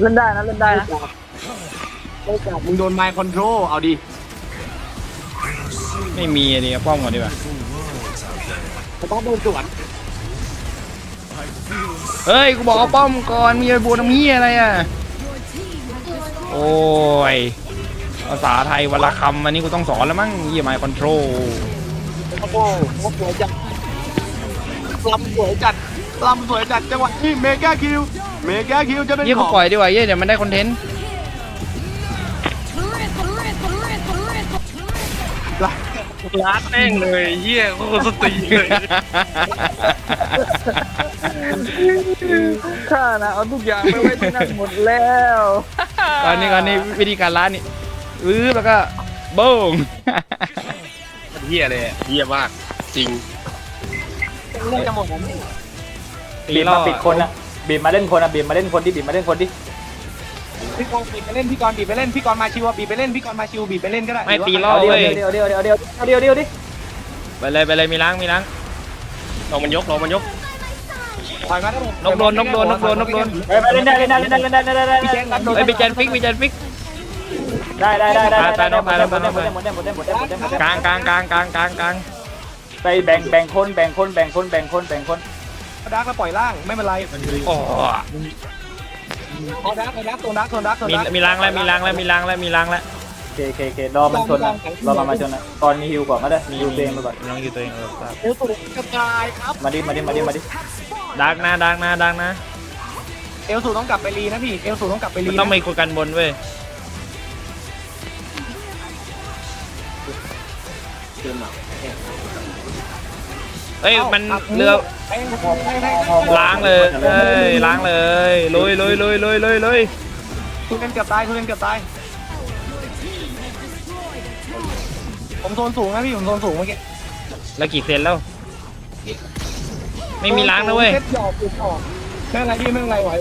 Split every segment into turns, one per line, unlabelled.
เล่นได้นะเล่นได้นะ
มึงโดนไมค์คอนโทรลเอาดิ
ไม่มีอันนี้ป้อมก่อนดีกว่า
ต้องโดนสวน
เฮ้ยกูบอกเอาป้อมก่อนมีไอ้บัวน้ำเหี้ยอะไรอ่ะโอ้ยภาษาไทยวันละคำอันนี้กูต้องสอนแล้วมั้งยี่ไมค์คอนโทรล
โอ้โหสวยจัดลำสวยจัดลำสวยจัดจังหวะนี้เมกาคิวจะเป็น
ยี่
ข
กู
อง
ปล่อยดีกว่ายี่เดี๋ยวมันได้คอนเทนต์
ร้านแม่งเลยเหี้ยโคตรสตรีเลย
ข้านะเอาทุกอย่างไปไว้ที่นั่นหมดแล้ว
ก่อนนี้วิธีการล้านนี่แล้วก็โบ้ง
เหี้ยเลยเหี้ยมากจริง
เล่นจะหมดแล้ว
บีบมาปิดคนอะบีบมาเล่นคนอะบีบมาเล่นคนดิบีบมาเล่นคนดิ
พี่กรณ์บีบไปเล่นพี่กรณ์บีบไปเล่นพี่กรณ์มาชิวบีบไปเล่นพี่กรณ์มาชิวบีบไปเล่นก็ได้
ไม่ตีล่อ
เดียว
เว้ย
เดียวเดียวเดียวเดียวเดียวเดียวดิ
ไปเลยมีล้าง
ลองมันยก
ถอยมาได้หมด
นกโดน
ไปเล่นได้เล่นได้เล่นได้เล่นได้เล่นได้
พี่แจ๊ครับโดน
ไอ้ยไปแจนฟิก
ได้หมดได้หมดได้หมดได้หมดได้หมดได้หมดได้หมดได้หมดได้หมดได้หมดได้
กลาง
ไปแบ่งคน
ดักแล้วปล่อยล่างไม่เป็นไร
โอ้
เอาดักตัวดัก
มีล้างแล้ว
เครอมันชนนะรอมันชนนะตอนมีฮิวก่อนก็ได้มีฮิวเองไปก่อน
น้องอยู่ตัวเองครับ
เอวสูงกระจายครับ
มาดิ
ดักนะ
เอลสูต้องกลับไปรีนะพี่เอลสูต้องกลับไปรี
มันต้องมีคนกันบนเว้ยเอ้ยมันเรือล้างเลยลุย
คุณเล่นเกือบตายผมโซนสูงนะพี่ผมโซนสูงเมื่อกี้
แล้วกี่เซนแล้วไม่มีล้างนะเว้ย
เซตหยอกออกไม่เป็นไรพี่ไม่เป็นไรไหว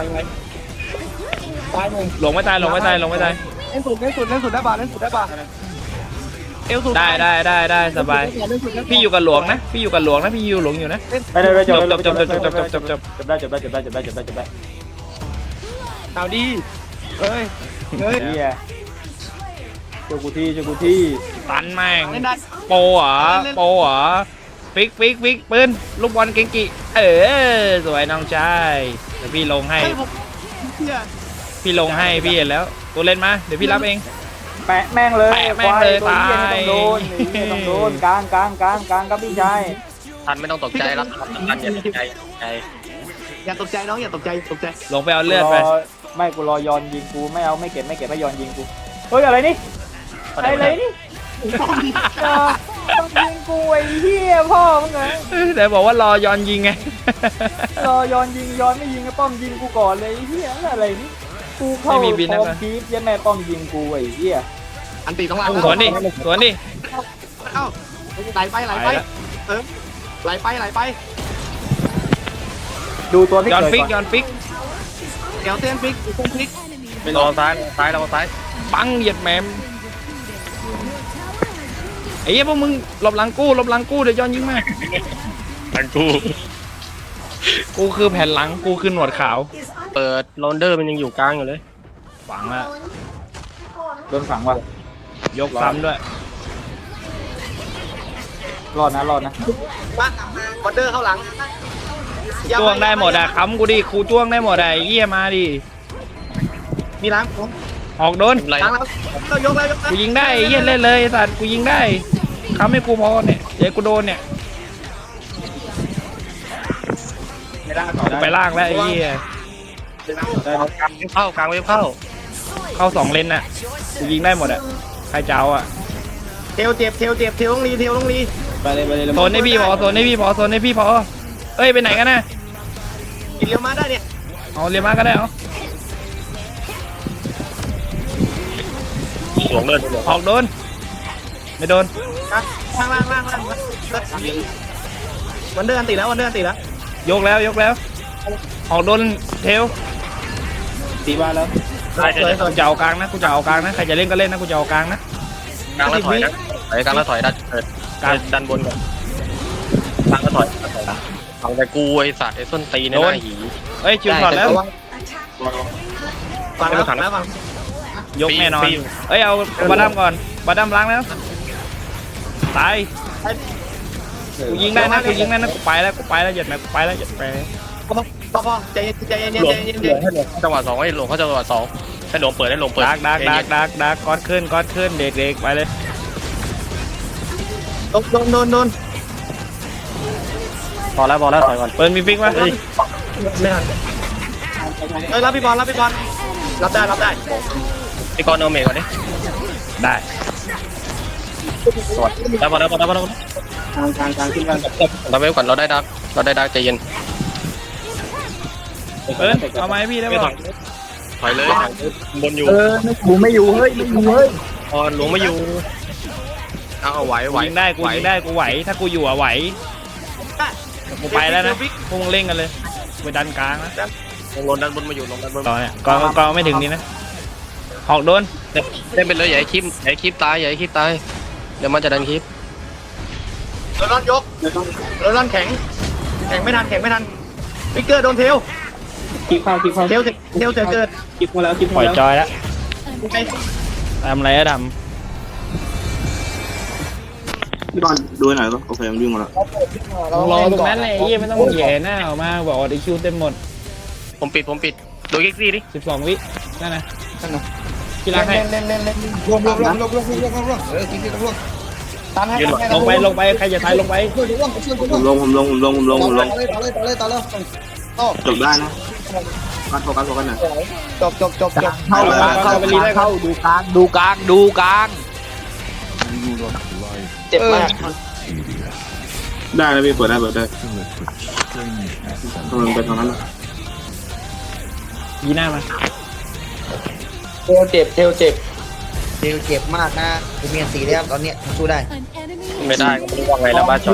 ตายหนึ่ง
หลงไม่ตาย
เล่นสุดได้ป่ะเอลสูง
ได้สบายพี่อยู่กับหลวงนะพี่อยู่หลวงอยู่นะ
ไปเลยจบ
จบ
ได้
เอาดีเฮ้ย
เฮียเจ้ากูที่
ตันแม่ง
เล่นได้
โปเหรอฟิกปืนลูกบอลเก่งกิสวยน้องชายเดี๋ยวพี่ลงให้
ผมเนี่ย
พี่เห็นแล้วตัวเล่นมาเดี๋ยวพี่รับเอง
แปะแม่งเลย
ตาย
ต้องโดนกลางครับพี่ชาย
ทันไม่ต้องตกใจรับทันอย่าตกใจ
อย่าตกใจน้องอย่าตกใจ
ลงไปเอาเลือดไป
ไม่กูรอยอนยิงกูไม่เอาไม่เก็บไม่ยอนยิงกูเฮ้ยอะไรนี่อะไรนี่ต้องยิงกูไอ้เหี้ยพ่อมึงไง
แต่บอกว่ารอย้อนยิงไง
รอยอนยิงย้อนไม่ยิงก็ป้อมยิงกูก่อนเลยไอ้เหี้ยอะไรนี่กูเข้าพร้อมคีฟยันแม่ป้อมยิงกูไอ้เหี้ย
อันตีต้องลา
สวนดิ
เอ้าไหลไปไหลไป
ดูตัวพี่
ย้อน
เกิด
ฟิก
ก่อน
เดี๋ยวเต้นฟิก
ไปรอซ้ายเราซ้าย
ปังเหยียดแหมมไอ้เหี้ยพวกมึงหลบหลังกู้เดี๋ยวย้อนยิงมา
ทันกู
กูคือแผ่นหลังกูคือหนวดขาว
เปิดโรนเดอร์มันยังอยู่กลางอยู่เลย
ฝังละ
โดนฝังว่ะ
ยกซ้ำด้วย
รอดนะ
มาบอลเดอร์เข้าหลัง
จ้วงได้หมดอะค้ำกูดิครูจ้วงได้หมดอะไอ้เหี้ยมาดิ
มีล้างผม
ออกโดน
ไร
ล้างแล้วก็ยกเลย
กูยิงได้ไอ้เหี้ยเล่นเลยไอ้สัตว์กูยิงได้ค้ำให้กูพอเนี่ยเดี๋ยวกูโดนเนี่ย
ไม่ได้
กูไปล่างแล้วไอ้เหี้ย
เข้ากลางเว็บเข้า
เข้าสองเลนน่ะกูยิงได้หมดอะใครเจ้าอะ
เทลเจ็บเทลต้องรี
ไปเลยโซนให้พี่พอเอ้ยไปไหนกันนะ
กินเลี้ยวมาได้เนี่ย
เอาเรียมาก็ได้เอา
หลงเดิน
ออกโดนไม่โดน
ล่างวันเดอร์อันตีแล้ว
ยกแล้วออกโดนเทล
ตีบ้านแล้ว
กูจะเอากลางนะใครจะเล่นก็เล่นนะกูจะเอากลางนะ
กลางแล้วถอยนะกลางแล้วถอยดันเปิดดันบนก่อนกลางแล้วถอยเอาแต่กูไอสัตว์ไอส้นตีนหน้าหี
เอ้ยชิวถอดแล้ว
ฟังแล้วฟังแล้วฟัง
ยกแน่นอนเอ้ยเอาบาดัมก่อนบาดัมล้างแล้วตายกูยิงได้นะกูยิงได้นะกูไปแล้วหยัดแม่กูไปแล้วหยัดไป
พอใจเย็นใจเย็น
หลวง
ใจเย็น
หลวงให้หลวงจังหวะ2ให้หลวงเขาจังหวะ2ให้หลวงเปิดให้หลวงเปิด
ดักก้อนขึ้นเด็กๆไปเลย
โดน
พอแล้วถอยก่อน
เปิดมีฟิกไหม
ไม่ทันรับพี่บอลรับได้
พี่กรณ์เอาเมฆก่อนดิ
ได้
สวยแล้วพอแล้ว
กลางขึ้นมา
เราไปก่อนเราได้ดักใจเย็น
เปิดเอาไม้พี่ได้
ไม่
ป่ะ
ถอยเลยบนอยู่
ไม่อยู่เฮ้ย
พอหลวงไม่อยู่เอาไหว
กูยิงได้กูไหวถ้ากูอยู่อะไหวกูไปแล้วนะพวกมึงเล่นกันเลยไปดันกลางนะ
ลงดันบนมาอยู่ลงดันบน
ต่อเนี่ยก็ไม่ถึงนี่นะหอกโดน
เล่นไปเลยอย่าให้คลิปตายเดี๋ยวมันจะดันคลิป
โดนร้อนยกโดนร้อนแข็งไม่ทันวิกเกอร์โดนเทล
คลิปเข้า
เทลเกิด
คลิปมาแล้ว
ปล่อยจอยแล้ว
ไอ้
ทำอะไรอะด
พี่บอลดูหน่อยก็โอเคมันวิ่งมาแล้ว
ำรอตรงนั้นเลยยี่ไม่ต้องแย่หน้าออกมาบอกว่าได้คิวเต็มหมด
ผมปิดดูกิ๊กซี่ดิ
12 วินั่นนะกีฬาให้
เล่นรวมตันให้
ลงไปใครจะตายลงไป
ผมลงจบได้นะโฟกัสหน่อย
จบ
เข้าดูกลาง
เจ็บมาก
ได้แล้วพี่เปิดได้มันเป็นตรงนั้น
ยีหน้ามา
เทลเจ็บ
มากนะกูมีอันสีแล้วตอนเนี้ยสู้ได้
ไม่ได้ก็ไม่รู้ว่าไงแล้วบ้าช็อต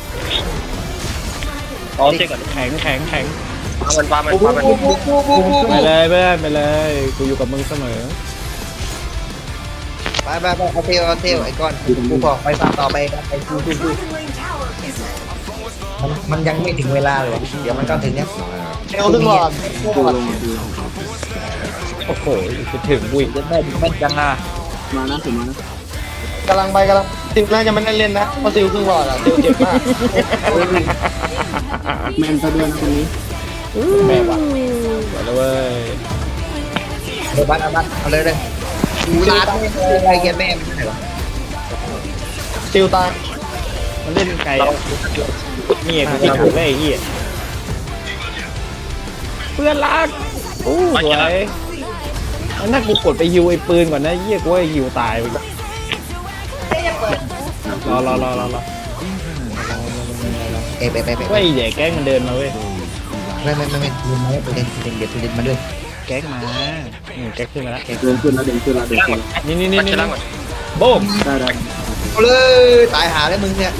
อ๋อเช็คก่อน
แข็ง
ปามัน
ไปเลยเพื่อนไปเลยกูอยู่กับมึงเสมอ
ไปเอาเทลไอ้ก้อนกูบอกไปฟาร์มต่อไปสู้มันยังไม่ถึงเวลาเลยวะเดี๋ยวมันก็ถึงเนี้ย
เทลถึงหลอด
โอ้โหจะถึงวิ่ง
จะแม่นจังอ่ะ
มานะผมมานะ
กำลังซิลน่าจะไม่ได้เล่นนะเพราะซิลครึ่งหลอดอ่ะซิลเจ็บมาก
แมนซะด้วยนะคนนี้
แม่วะไปแล้วเว้ย
เดี๋ยวบัตเอาเลยกูลาไม่อะไรแกแม่ไม่ไหนวะ
ซิลตาย
มันเล่นไกลนี่กูติดถูกได้ไอ้เหี้ยเพื่อนรักอู้สวยถ้ากูกดไปฮิวไอ้ปืนก่อนนะเหี้ยกูไอ้ฮิวตายไปรอ
ไป
เว้ยใหญ่แก๊งมันเดินมาเว้ย
ไม่ลืมมาเดี๋ยวมาด้วย
แก๊งมาแก๊งขึ้นมาแล้ว
เดินขึ้นแล้ว
นี่
มันจะล่างก่อน
โบ้ม
ได้
เอาเลยตายหาแล้วมึงเนี่ย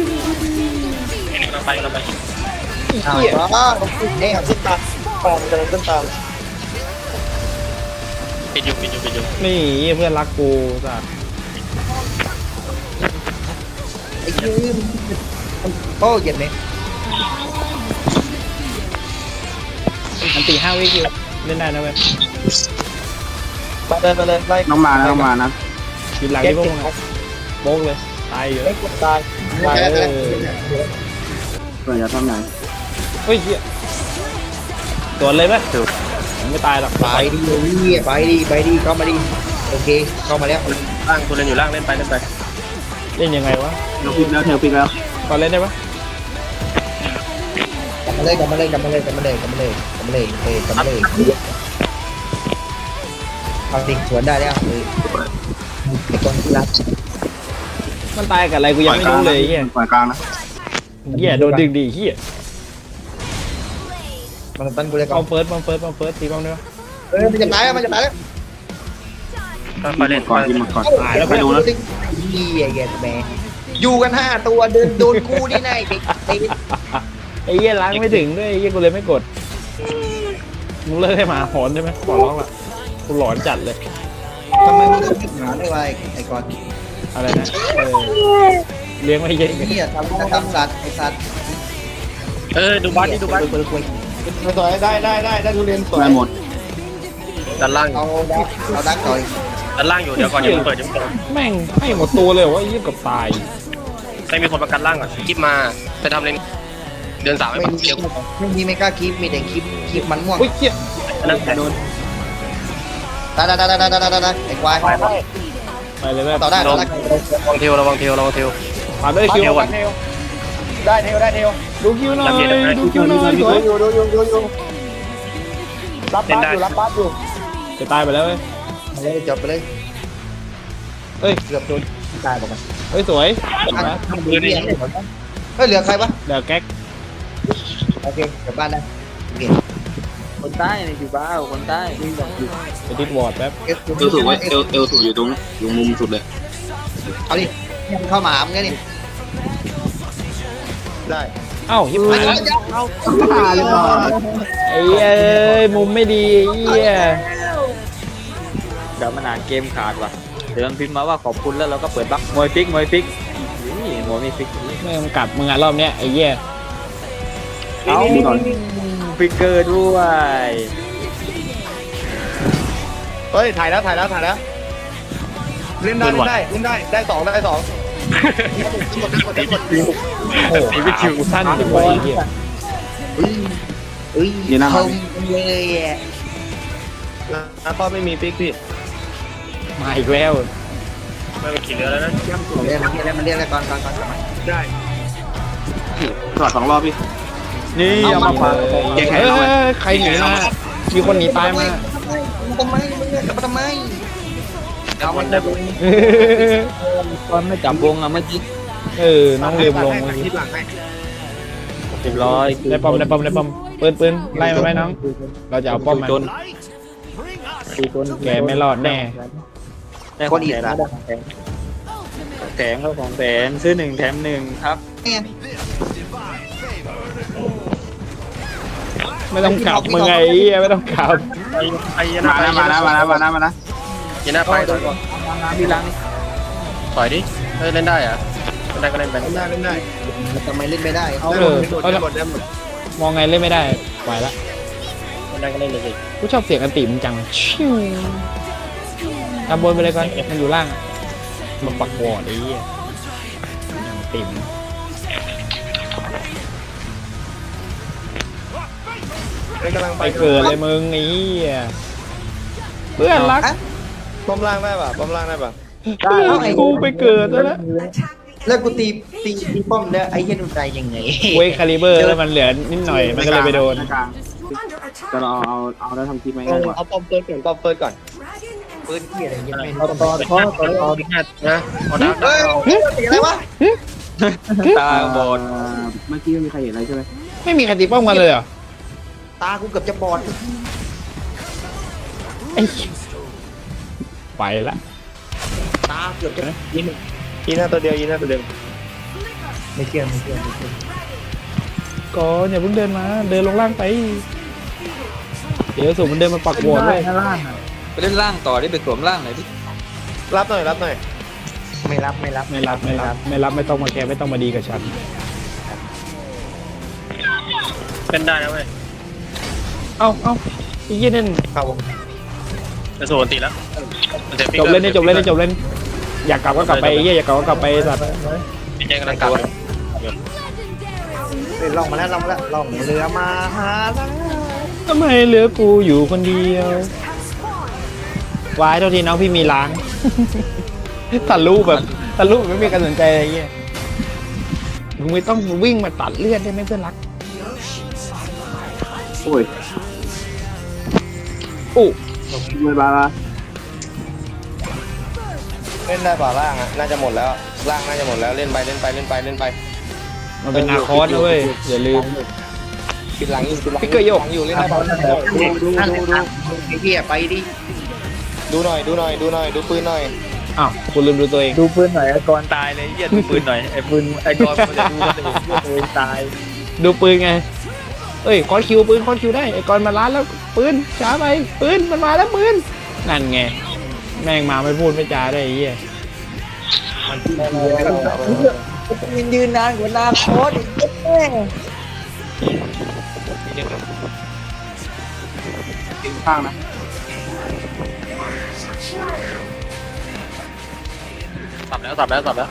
เราไป
อ้าวเนี่ย
ขึ้นตามกำลังขึ้นตาม
ปิดอยู่
นี่เพื่อนรักกูจ้ะ
ไอ้ยืมโอ้เจ็บไหม
อันตี5 วิคิวเล่นได้นะเว้ย
ไปเลยไล่
น้องมานะ
ยืนหลังที่พวกมึงโบ๊กเลยตายอยู่
ไม่กดตาย
เออ
เปิดอย่าทำไหน
เฮ้ยเหี้ยโดนเลยไหมไม่ตายหรอก
ไปดีเข้ามาดิโอเคเข้ามาแล้ว
ล่างคุณเล่นอยู่ล่างเล่นไป
เล่นยังไงวะ
เราปิดแล้วเทลปิดแล้ว
ก่อนเล่นได้ปะ
กลับมาเลยเอาดิสวนได้แล้วไอ้คนที่รัก
มันตายกับอะไรกูยังไม่รู้เลยเฮีย
ปล่อยกลางนะ
เฮียโดนดึงดีเฮีย
มันตั้งกูเลยก่อ
เอา
น
เฟิร์สตีบ้างด้วย
มันจะตายแล้ว
ไปเล่น
ก่อนที่มันก่อน
ตายแล้ว
ไปดูนะ
นี่ไอ้แกแม่อยู่กัน5 ตัวเดินโดนกูนี่ไงเด็ก
ไอ้เฮียล้างไม่ถึงด้วยไอ้เฮียกูเลยไม่กดมึงเลิกให้หมาหอนได้ไหมขอร้องละกูหลอนจัดเลย
ทำไมมึงต้องหาได้ไวไอ้ก่อน
อะไรนะเลี้ยงไว้เยอะ
นี่ทำสัตว์ไอ้สัตว์
ดูบ้าน
คุย
สวยได้ทุเรียนสวย
ได้หมด
ด้านล่าง
เอาดักต่อย
ด้านล่างอยู่เดี๋ยวก่อนอย่าเพิ่งเปิดอย่าเพิ่งเปิด
แม่งให้หมดตัวเลยว่ายี่กับตาย
ให้มีคนประกันล่างก่อนคลิปมาไปทำเลนเดือน3
ไม่
ไม่ปัก
มี
เกี่ยว
ไม่กล้าคลิปมีแต่คลิปมันม่วง
อุ้ยเจี๊ย
นั่นแต่
โดน
ได้ไอ้ควาย
ไปเลยแม่
ต่อได้
ระวังเทลระวังเทลระวังเทล
ผ่านได้คิว
ก่อน
ได้เทลได้เทล
ดูคิวหน่อยดูคิวหน่อยสวย
อยู่รับบ้านอยู่รับบ้านอยู่
จะตายไปแล้วเว้ย
จบไปเลย
เฮ้ย
เกือบโดนตายบอกกัน
เฮ้ยสวย
ทำดีเฮ้ยเหลือใครวะ
เดี๋ยวแก๊ก
โอเคกลับบ้านได้โอเค
คนใต้อยู่บ้านคนใต้
จะดิดวอร์ดแป๊บ
เอลสูงไว้เอลสูงอยู่ตรงอยู่มุมสุดเลยเอาดิเข้ามาหามึงไงนี่ได้
เอ้ายิบหายแล้ว
เอา
ไอ้เอ้ยมุมไม่ดีไอ้เหี้ย
เดี๋ยวมันอ่านเกมขาดว่ะเดี๋ยวมันพิมพ์มาว่าขอบคุณแล้วเราก็เปิดบักมวยฟิกนี่มวยมีฟิก
ไม่ต้องกลับมึงอ่ะรอบเนี้ยไอ้เหี้ย
เอาฟิกเกอร์ด้วย
เฮ้ยถ่ายแล้วเล่นได้2ได้2
โอ้โหวิคิวสั้นจังวะไอ้เหี้ย
คมเลยอ่ะ
นะป้อไม่มีฟิกพี่
มาอีกแล้ว
ไม่เป็นขี่เรือแล้วนะ
เรียกมันเรียกอะไรก่อน
ได้
สอด2 รอบพี่
นี่เอามาฟัง
เฮ้ยใครหนีมามีคนหนีตายมา
ทำไมมึงเนี่ยกลับมาทำไม
เอามันได้บุญ
ตอนไม่จับวงอะเมื่อกี้
เออน้องเรียมลงเมื่อกี้
ที่หลังให้
100
ได้ป้อมปืนไล่มาไหมน้องเราจะเอาป้อมมา
จนจน
แกไม่รอดแน่
ได้คนอีกแล้วแถมเขาของแถมซื้อ1 แถม 1ครับ
เนี่ย
ไม่ต้องขับมึงไงไอ้เหี้ยไม่ต้องขับ
ไปยันหน้าไปยันหน้ายันหน้าไปถอยก่อน
พี่ลัง
ถอยดิเฮ้ยเล่นได้อะเล่นได้ก็เล่นไป
เล่นได้
ทำไมเล่นไม่ได้
เออมองไงเล่นไม่ได้ปล่อยละ
เล่นได้ก็เล่นเลยสิ
กูชอบเสียงอันติมนจังชิวทำบนไปเลยก่อนมันอยู่ล่างมันปักวอร์ดไอ้เหี้ยอย่างติม
กำลัง
ไปเกิดเลยมึงไอ้เหี้ยเพื่อนรัก
ป้อมล่างได้ป่ะเ
พื่อนกูไปเกิดแล้วนะ
แล้วกูตีป้อมแล้วไอ้เหี้ยนุ่นใจยังไง
เว้ยคาลิเบอร์แล้วมันเหลือนิดหน่อยมันก็เลยไปโดน
จะเอาแล้วทำคลิปไหม
เอาป้อมเปิดก่อน
ปืนเหี้ยอะไรเงี้ยไม่
เอาตอน
นะเอาดัก
เฮ้ยตีอะไรวะ
ตาบอด
เมื่อกี้ไม่มีใครเห็นอะไรใช่ไหม
ไม่มีใครตีป้อมกันเลยเหรอ
ตากูเกือบจะบอด
ไอ้ไปละ
ตาเกือบจะ
ยีน่าตัวเดียว
ไม่เชื่อ
ก่อนอย่าเพิ่งเดินมาเดินลงล่างไปเดี๋ยวสูมันเดินมาปักวอร์ดเลย
ไปเล่นล่างต่อได้ไปสวมล่างหน่อยดิ
รับหน่อย
ไม่รับ
ไม่ต้องมาแคร์ไม่ต้องมาดีกับฉัน
เป็นได้นะเว้ย
เอ้าไอ้เหี้ยนั่น
ครับ
จะสูนตีแล้ว
จบเล่นอยากกลับก็กลับไปไอ้เหี้ยอยากกลับก็กลับไปสัตว์
พี่แจ้งกำลังกลับ
ล่องมาแล้วล่องเรือมาหาแล้ว
ทำไมเหลือกูอยู่คนเดียววายเท่าทีน้องพี่มีล้าง ทะลุไม่มีการสนใจอะไรเงี้ยมึงไม่ต้องวิ่งมาตัดเลือดได้ไหมเพื่อนรัก
โอ้ย
อู้
เวลา
เล่นได้ป่ะล่างอ่ะน่าจะหมดแล้วล่างน่าจะหมดแล้วเล่นไป
มันเป็นนาคอสนะเว้ยอย่าลืม
ปิดหลังอยู่
พี่เกยโยก
อยู่เล่นได้ป่ะ
ดูไอ้เหี้ยไปดิ
ดูหน่อยดูปืนหน่อย
อ้าวคุณลืมดูตัวเอง
ดูปืนหน่อยไอ้กรตายเลยเหี้ยดูปืนหน่อยไอ้ปืนไอ้กรมันจะดูมันจะเห็นเหี้ยตัวเองตาย
ดูปืนไงเอ้ยคอนคิวปืนคอนคิวได้ไอ้กอนมาล้านแล้วปืนช้าไปปืนมันมาแล้วปืนนั่นไงแม่งมาไม่พูดไม่จาได้ไอ้เหี้ย
ยืนนานกว่านาโคตรแม่
ข้างนะ
สับแล้วสับแล้วสับแล้ว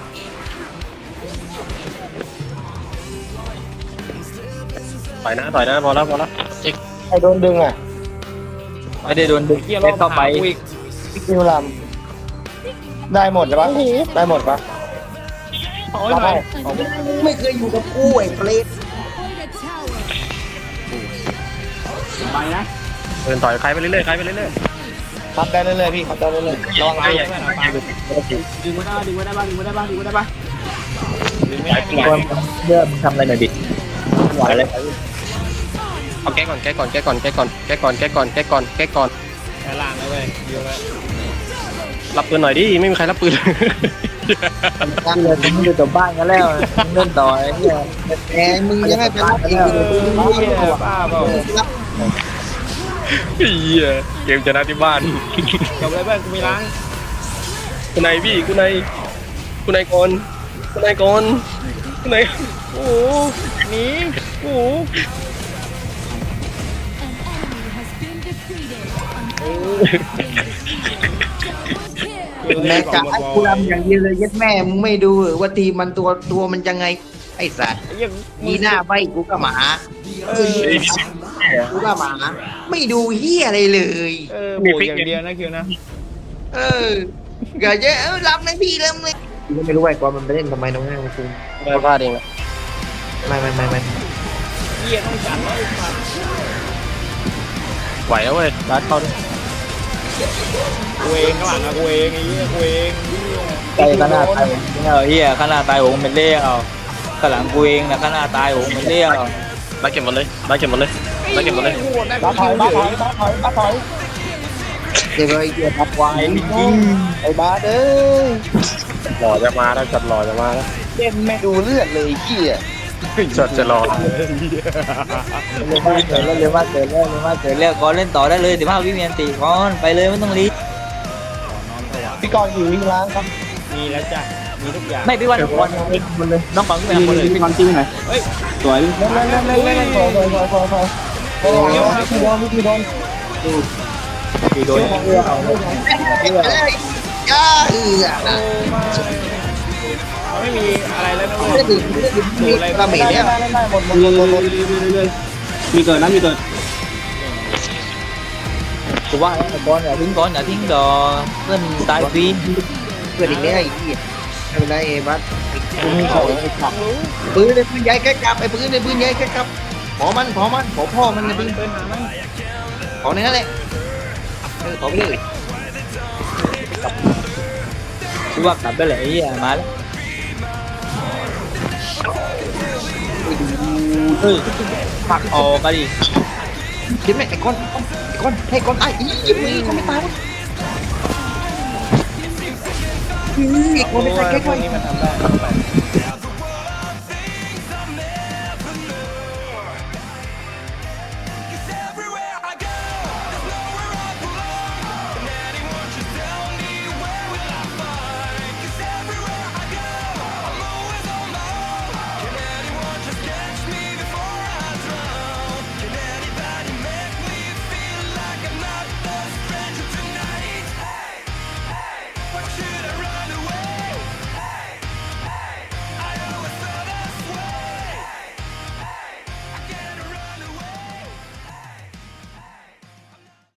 ต่อยนะพอแล้วเจ๊ก
ใครโดนดึงอ่ะ
ไม่ได้โดนดึง
เกียร์ร
เล่
อบ
นเข้าไป
อีก
พี่คิวลำได้หมดใช่ปะได้หมดปะ
โอ้ยหน่อย
ไม่เคยอยู่กับกูไอ้เปรต
ไปนะ
เดินต่อยใครไปเรื่อยๆใครไปเรื่อย
คัดได้เรื่อยๆพี่คัดได้เรื่อย
ๆระวังใหญ่
ดึงไว้ได้บ้างดึงไว้ได้บ้างดึงไว้ได้บ้าง
ดึงไม่ได้ไม่ได้
เรื่องทำอะไรหน่อยดิไหวเลย
เอาแก้ก่อน
แค่ล่างเลยเว้ยเยอะเลย
รับปืนหน่อยดิไม่มีใครรับปืน
ตั้งเลยมึงอยู่กับบ้านกันแล้วมึงเล่นต่อไอ้เนี่ยแหมมึงยังไงเป็นอีก
เหี้ยบ้าเปล่า
เฮียเกมชนะที่บ้าน
จบเลยเพื่อนกูมีล้าง
คุณนายพี่คุณนายก่อนคุณนาย
โอ้โหหนีโอ้โห
แม่กะกูรำอย่างเดียวเลยยัดแม่มึงไม่ดูว่าทีมันตัวมันยังไงไอ้สัตว์
ไอ้เหี้ยัง
มีหน้าใบกูก็หมากูก็หมาไม่ดูเฮียอะไรเลย
โบกอย่างเดียวนะคิวนะ
เกิดเยอะรับนะพี่เริ่มเลยกูไม่รู้ไอ้กอนมันไปเล่นทำไมน้องแม่กู
ไม่พลาดเองนะ
ไม่
เหี้ยต้องจัดแล้วไอ้สัตว์
ไหวแล้วเว้ยรัดเข้าด้วย
กูเองข้างหลังอะกูเองไอ้เหี้ยกูเอง
ใจขนาดตายผมเฮียขนาดตายผมเป็นเลี้ยวข้างหลังกูเองนะขนาดตายผมเป็นเลี้ยว
รัดเก็บหมดเลยรัดเก็บหมดเลย
บ้าถอยบ้าถอยบ้าถอย
เดี๋ยวไอ้เกียร์ทับวายจริง
ไอ้บาเด้อ
หล่อจะมาแล้วจัดหล่อจะมาแล้ว
เล่นไม่ดูเลือดเลยขี้อ่ะ
จัดจะหล่อ
เร็วมากเกิดแล้วก่อนเล่นต่อได้เลยเดี๋ยวมาวิเมียนตีก่อนไปเลยไม่ต้องรีบ
พี่กรณ์อยู่วิ่งล้างครับ
มีแล้วจ้ะมีทุกอย่าง
ไม่พี่วันก่อนน้องฟังพี่วันเลยพี่วันจริงไหน
เฮ้ย
สวย
เล่นพอพี่โดน
คือโดน
ย่า
ไม่มีอะไรแล้วนะเว้
ไม่
ย
ได้ดื่มมีกระเม็ดเนี่ย
ได้หมด
มีเกิดนะมีเกิดกูว่าก่อนอย่าทิ้งดอเพื่อนตายฟรี
เพื่อนอีกแล้วไอ้ขี้ไม่เป็นไรไอ้บัส
กูมีของไอ้ขับ
ปืนในปืนใหญ่แค่กลับไอ้ปืนในปืนใหญ่แค่กลับขอมันขอพ่อมันในปืน
เดินหามัน
ขอในนั้นแหละขอไปเลย
กูว่ากลับได้แหละไอ้เหี้ยมาแล้วเฮ้ยผักออกกันดิ
คิดไหมไอ้ก้อนให้ก้อนไอ้ยิ้มมือก้อนไม่ตายวะไอ้ก้อนไม่ตายแค่
พวกนี้มันทำได้